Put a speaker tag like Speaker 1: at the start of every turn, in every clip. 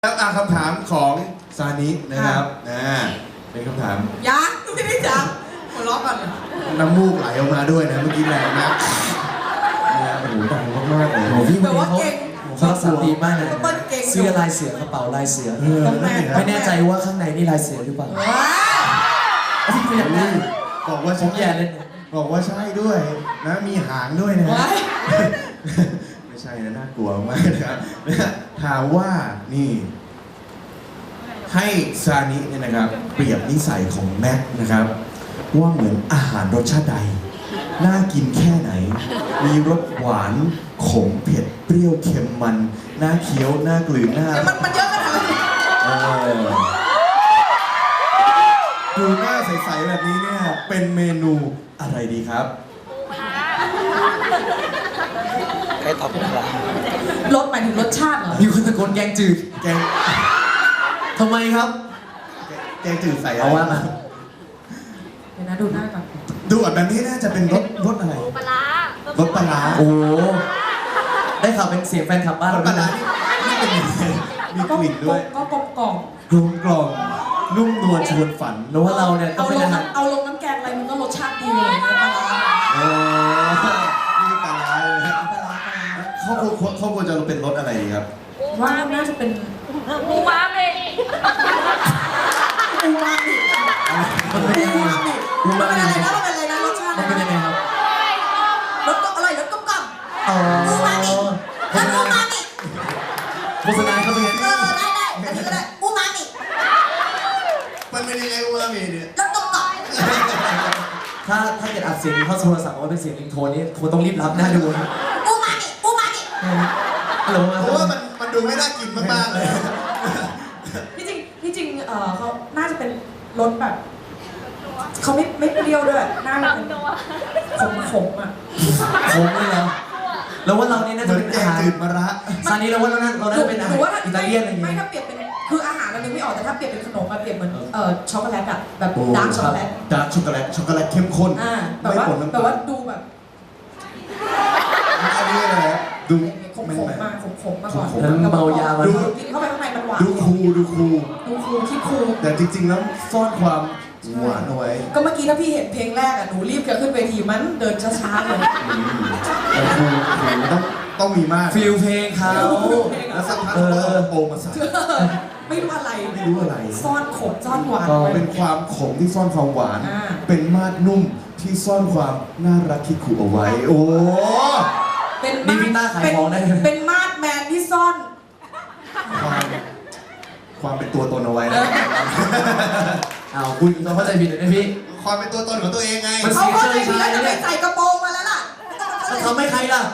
Speaker 1: แล้วคำถามของซานินะครับเป็นคำถาม
Speaker 2: ยังไม่ได้จับหัวเราะก่อน
Speaker 1: น้ำมูกไหลออกมาด้วยนะเมื่อกี้แรงมากโอ้โหดังมากๆเลย
Speaker 3: พี่คนนี้เขารักษาดีมากเลยเสื้อลายเสือกระเป๋าลายเสือไม่แน่ใจว่าข้างในนี่ลายเสือหรือเปล่าพี่ขยันได้
Speaker 1: บอกว่า
Speaker 3: ผมแย่เล่น
Speaker 1: บอกว่าใช่ด้วยนะมีหางด้วยนะไม่ใช่นะน่ากลัวมากนะครับถามว่านี่ให้ซานิเนี่ยนะครับเปรียบนิสัยของแม็กนะครับว่าเหมือนอาหารรสชาติใดน่ากินแค่ไหนมีรสหวานขมเผ็ดเปรี้ยวเค็มมันน่าเคี้ยวน่ากลืนน่า
Speaker 2: มันเยอะขนาดนี้
Speaker 1: ดูหน้าใสๆแบบนี้เนี่ยเป็นเมนูอะไรดีครับ
Speaker 3: ใครตอบเป็นอะไร
Speaker 2: รสหมายถึงรสชาติเหรอ
Speaker 3: มีคนตะโกนแกงจืด
Speaker 1: แกง
Speaker 3: ทำไมครับ
Speaker 1: แกงจืดใส่
Speaker 3: เอาว่ามา
Speaker 2: เดี๋ยวนะดูหน้าก่อน
Speaker 1: ดูแบบนี้น่าจะเป็นรสอะไร
Speaker 4: ปลาร
Speaker 1: สปลาร้า
Speaker 3: โอ้ได้ข่าวเป็นเสียงแฟนคลับบ้าน
Speaker 1: รสปลาร้านี่เป็นมีกลิ่นด้วย
Speaker 2: ก็กลมกล่อม
Speaker 1: นุ่มนวลชวนฝัน
Speaker 3: แล้วว่าเราเนี่ยต้องเป็นอาหาร
Speaker 2: เอาลงน้ำแกงอะไรมันก็รสชาติดีเลยปลาร้า
Speaker 1: นี่ปลาร้าเลยเขาควรจะเป็นรสอะไรดีครับ
Speaker 2: ว่าน่าจะเป็น
Speaker 4: อูมามิ
Speaker 3: มันเป็นยังไง
Speaker 2: มันเป็นอะไรนะมันเป็นอะไรนะรสชาติ
Speaker 3: มันเป็นยังไงครับ
Speaker 2: รสก็อร่อยรสกลมกล่อมอูมามิอูมามิ
Speaker 3: โฆษณาเขาเป็นไง
Speaker 2: ได้อันนี้ก็ได้อูมามิ
Speaker 1: มันเป็นยังไงอูมามิเนี่ย
Speaker 2: รสกลมกล่อม
Speaker 3: ถ้าเกิดอัดเสียงเข้าโทรศัพท์ว่าเป็นเสียงลิงโทนนี่ควรต้องรีบรับหน้าดูนะ
Speaker 2: อูมามิ
Speaker 1: เพราะว่ามันดูไม่น่ากินมากๆเลย
Speaker 2: ที่จริงเขาน่าจะเป็นรสแบบเขาไม่เปรี้ยวด้วยน่าจะเป็นขมอ่ะ
Speaker 3: ขมเลยเหรอแล้วว่าเรานี่น่าจะเป็นอาหาร
Speaker 1: จืดมะระ
Speaker 3: ซานี้เราว่าเราน่าจะเป็นอาหารอิตาเลียนอะไรอย่างเงี้ย
Speaker 2: ไม่ถ้าเปรียบเป็นคืออาหารเรานึกไม่ออกแต่ถ้าเปรียบเป็นขนมมาเปรียบเหมือนช็อกโกแลตอะแบบดาร์กช็อกโกแลต
Speaker 1: เข้มข้น
Speaker 2: แต่ว่าดูแบบ
Speaker 1: อันนี้อะไรดู
Speaker 2: ขมมาก่อน
Speaker 3: เมายามา
Speaker 2: ดูกินเข้าไปข้างในมันหวาน
Speaker 1: ดูคู
Speaker 2: คิดคู
Speaker 1: แต่จริงๆแล้วซ่อนความหวานเอาไว้
Speaker 2: ก็เมื่อกี้ถ้าพี่เห็นเพลงแรกอะหนูรีบจะขึ้นเวทีมันเดินช้าๆเลย
Speaker 1: คูต้องมีมาก
Speaker 3: ฟิลเพลงเขา
Speaker 1: แล้วสักพักโปรมาใส่
Speaker 2: ไม่รู้อะไรซ่อนขมซ่อนหวาน
Speaker 1: เป็นความขมที่ซ่อนความหวานเป็นมาดนุ่มที่ซ่อนความน่ารักคิดขู่เอาไว้โอ้
Speaker 3: นี่พี่ต้าขายของได้
Speaker 2: เป็นมาดแมนที่ซ่อน
Speaker 1: ความเป็นตัวตนเอาไว้นะ
Speaker 3: คุณเราเข้าใจผิดเลยนะพี่
Speaker 1: ความเป็นตัวตนของตัวเองไง
Speaker 2: เขาเข้าใจผิดแล้วจะไปใส่กระโปรงมาแล้วล่ะ
Speaker 3: เขาไม่ใครล่ะ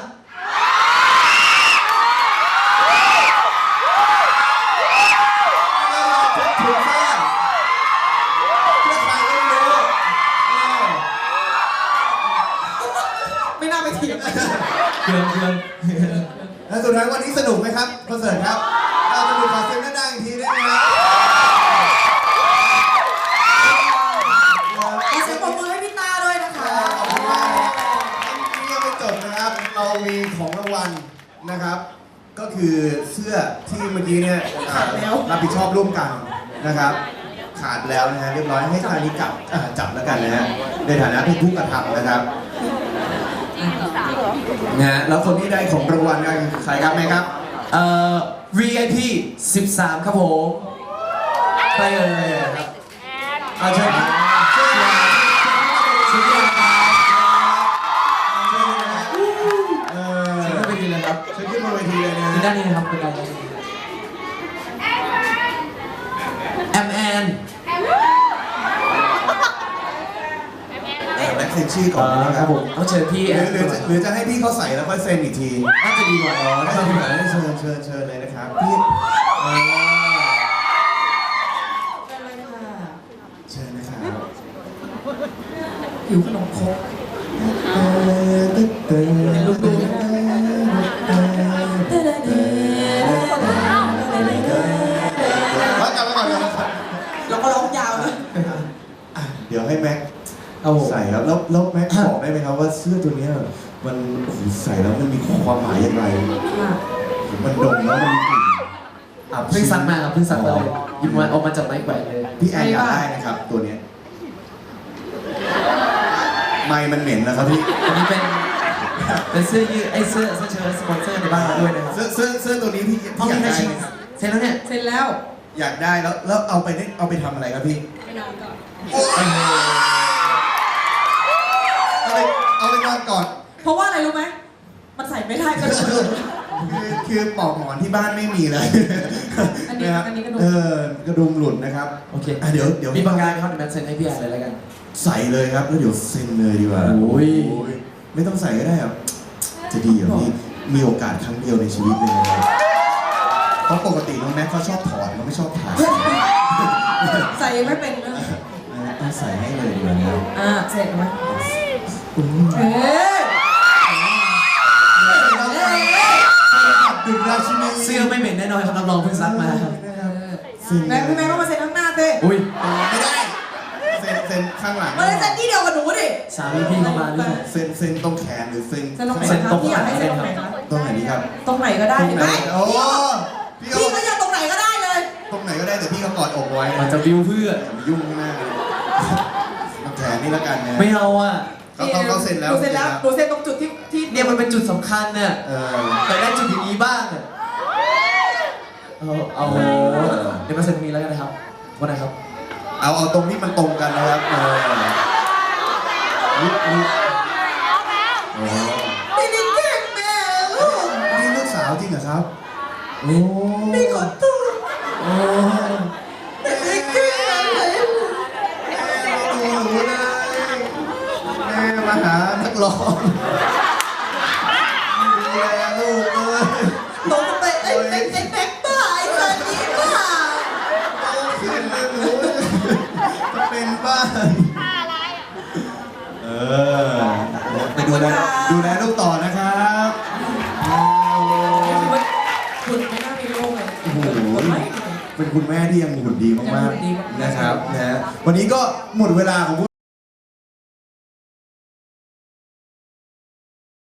Speaker 1: ถูกสร้างเพื่อใครก็ไม่รู้
Speaker 2: ไม่น่าไปเถียงเลย
Speaker 3: เพื่อน
Speaker 1: แล้วสุดท้ายวันนี้สนุกไหมครับคอนเสิร์ตครับเราจะดูขอเสียงดังๆอีกทีได้ไหมครับ
Speaker 2: ขอเสียงปรบมือให้พี่ตาด้วยนะคะ
Speaker 1: ขอบคุณมากนี่ยังไม่จบนะครับเรามีของรางวัลนะครับก็คือเสื้อที่เมื่อกี้เนี่ยรับผิดชอบร่วมกันนะครับขาดแล้วนะฮะเรียบร้อยให้ทางนี้จับแล้วกันนะฮะในฐานะเป็นผู้กระทำนะครับนะฮะแล้วคนที่ได้ของรางวัลกันใครครับแม่ครับ
Speaker 3: VIP 13ครับผมไปเลยครับ
Speaker 1: เชิญครับเชิญ
Speaker 3: ขึ้นไปทีเลยครับ
Speaker 1: เชิญขึ้นมาเวทีเลยนะ
Speaker 3: ด้านนี้นะครับเป็นการแอมแอน
Speaker 1: และเซ็นชื่อก่อนนะครับผม
Speaker 3: ต้องเชิญพี่
Speaker 1: หรือจะให้พี่เขาใส่แล้วค่อยเซ็นอีกที
Speaker 3: น่าจะดีกว่า
Speaker 1: ได้ที่ไหนเชิญเลยนะครับพี่เชิญนะครับ
Speaker 2: หิวขนมครกลูกดูเราก็ร้องยาวนะ
Speaker 1: เดี๋ยวให้แม็กใส่ครับแล้วแม็กบอกได้ไหมครับว่าเสื้อตัวนี้มันใส่แล้วมันมีความหมายอย่างไรมันดมแล้วมันมีกลิ่นอับ
Speaker 3: เพิ่งซักมาครับเพิ่งซักมาเลยหยิบมาออกมาจากไม้แขวนเลย
Speaker 1: พี่แอนอยากได้นะครับ ตัวเนี้ยไม้มันเหม็นนะครับพี่
Speaker 3: อันนี้เป็นเสื้อยืดไอ้เสื้อเชิ้ตสปอนเซอร์ในบ้านเราด้วยนะครับ
Speaker 1: เสื้อตัวนี้พี่
Speaker 3: ห้อง
Speaker 1: อยาก
Speaker 3: นี้
Speaker 1: ได้
Speaker 3: ชิ
Speaker 1: ไหม
Speaker 3: เสร็จแล้วเนี่ย
Speaker 2: เสร็จแล้ว
Speaker 1: อยากได้แล้วเอาไปทำอะไรครับพี่
Speaker 2: ไปนอนก่อน
Speaker 1: เอาไปนอนก่อน
Speaker 2: เพราะว่าอะไรรู้ไหมมันใส่ไม่ได้ก็เลย
Speaker 1: คือปลอกหมอนที่บ้านไม่มีเลย
Speaker 2: อันนี้
Speaker 1: ะครับ
Speaker 2: อันนี้กระดุม
Speaker 1: กระดุมหลุดนะครับ
Speaker 3: โอเค
Speaker 1: เดี๋ยว
Speaker 3: มีบางงานไหมครับเดี๋ยวแมทเซ็นให้พี่แอนเลยแล้วกัน
Speaker 1: ใส่เลยครับแล้วเดี๋ยวเซ็นเลยดีกว่า
Speaker 3: โอ้ย
Speaker 1: ไม่ต้องใส่ก็ได้ครับจะดีเหรอพี่มีโอกาสครั้งเดียวในชีวิตเลยนะครับเพราะปกติน้องแม็กเขาชอบถอดเขาไม่ชอบถ่าย
Speaker 2: ใส่ไม่เป็นนะ
Speaker 1: ต้องใส่ให้เลยดีกว่านะครับ
Speaker 2: เสร็จไหม
Speaker 1: อืม
Speaker 2: เอ๊ะ
Speaker 1: ดึกราชินี
Speaker 3: เสื้อไม่เหม็นแน่นอนครับรับรองเพิ่งซักมาครับ
Speaker 2: แม่พี่แม่ก็มาเซ็นข้างหน้าเต้
Speaker 3: อุ้ย
Speaker 1: ไม่ได้เซ็นข้างหลัง
Speaker 2: มาเลยเซ็นที่เดียวกับหนูดิ
Speaker 3: สามีพี่เข้ามาหรือเปล่า
Speaker 1: เซ็นตรงแขนหรือเซ็น
Speaker 2: เซ็นตรงไหน
Speaker 3: เซ็น
Speaker 2: ค
Speaker 3: ต
Speaker 2: รั
Speaker 3: ร
Speaker 2: บ
Speaker 3: ง
Speaker 2: พี่อยากให้เซ็นตรงไหนครับ
Speaker 1: ตรงไหนดีครับ
Speaker 2: ตรงไหนก็ได้
Speaker 1: ตรง
Speaker 2: เห็น
Speaker 1: ไห
Speaker 2: ไห
Speaker 1: น
Speaker 2: ม
Speaker 1: โอ้
Speaker 2: พี่ก็อยากตรงไหนก็ได้เลย
Speaker 1: ตรงไหนก็ได้แต่พี่ก็กอดอกไว้
Speaker 3: มันจะวิวเพื่อ
Speaker 1: อย่ามายุ่งข้างหน้าเลยตรงแขนนี่แล้วกันนะ
Speaker 3: ไม่เอาอ่ะ
Speaker 1: เขาเซ็นแล้ว
Speaker 2: หนูเซ็นแล้วหนูเซ็นตรงจุดที่
Speaker 3: เนี่ยมันเป็นจุดสำคัญเนี่ย
Speaker 1: เออ
Speaker 3: แต่ได้จุดอย่างนี้บ้างอะเอาเดี๋ยวมาเซ็นมีแล้วกันนะครับว่าไงครับ
Speaker 1: เอาตรงที่มันตรงกันนะครับลุกโอ้
Speaker 2: พี่นี่เก่งแม่ลูก
Speaker 1: นี่ลูกสาวจริงเหรอครับโอ้
Speaker 2: พี่ขอโทษ
Speaker 1: โอ้
Speaker 2: พี่เก่งอะไร
Speaker 1: แม่ไม่ดูหนูเลยแม่มาหานักร้องดูแลลูกเลย
Speaker 2: หนูจะไปไอ้แม็กบ้าไอ้สันนี่บ้า
Speaker 1: โตขึ้นเลยหนูจะเป็นบ้านไปดูแลลูกต่อนะครับ
Speaker 2: คุณไม่น่ามีลูกเลย
Speaker 1: โอ้โหเป็นคุณแม่ที่ยังหุ่นดีมากๆนะครับนะฮะวันนี้ก็หมดเวลาของ